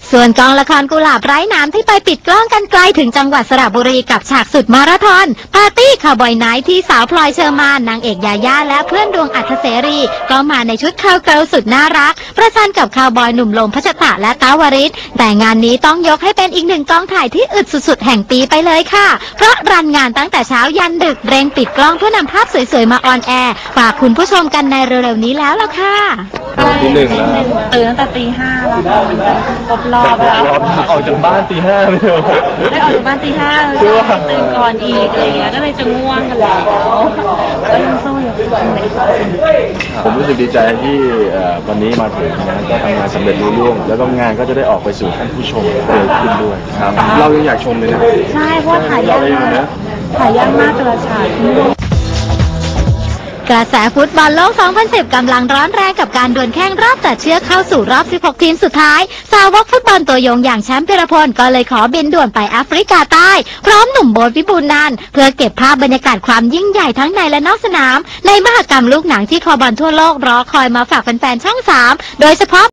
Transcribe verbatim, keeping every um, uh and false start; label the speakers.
Speaker 1: ส่วนกองละครกุหลาบไร้น้ำที่ไปปิดกล้องกันไกลถึงจังหวัดสระบุรีกับฉากสุดมาราธอนปาร์ตี้คาวบอยไนท์ที่สาวพลอยเชอร์มานนางเอกยาย่าและเพื่อนดวงอัธเสรีก็มาในชุดคาวเกิร์ลสุดน่ารักประชันกับคาวบอยหนุ่มลมพัชตะและต้าวริศแต่งานนี้ต้องยกให้เป็นอีกหนึ่งกองถ่ายที่อึดสุดๆแห่งปีไปเลยค่ะเพราะรันงานตั้งแต่เช้ายันดึกเร่งปิดกล้องเพื่อนำภาพสวยๆมาออนแอร์ฝากคุณผู้ชมกันในเร็วๆนี้แล้วล่ะค่ะ
Speaker 2: ตีหนึ่งแล้ว
Speaker 3: ตื่นตั้งแต่ตีห้าแล้วครบรอบแล้ว
Speaker 2: ออกจากบ้านตีห้าไม่เหรอ
Speaker 3: ได้ออกจากบ้านตีห้าเลยตื่นก่อนอีกอะไรเงี้ยก็เลยจะง่วงกันแล้วก็ยังสู้อยู่
Speaker 2: ผมรู้สึกดีใจที่วันนี้มาถึงนะก็ทำงานสำเร็จรุ่ร่วงแล้วก็งานก็จะได้ออกไปสู่ท่านผู้ชมเร็วขึ้นด้วยครับเรายังอยากชมเลยนะ
Speaker 3: ใช่เพราะถ่ายยากมากถ่ายยากมากกระชาก
Speaker 1: กระแสฟุตบอลโลก สองพันสิบ กำลังร้อนแรงกับการดวลแข่งรอบตัดเชือกเข้าสู่รอบ สิบหก ทีมสุดท้ายสาวกฟุตบอลตัวยงอย่างแชมป์พิรพลก็เลยขอบินด่วนไปแอฟริกาใต้พร้อมหนุ่มโบ๊ทวิบูลย์นันท์เพื่อเก็บภาพบรรยากาศความยิ่งใหญ่ทั้งในและนอกสนามในมหกรรมลูกหนังที่คอบอลทั่วโลกรอคอยมาฝากแฟนๆช่องสามโดยเฉพาะ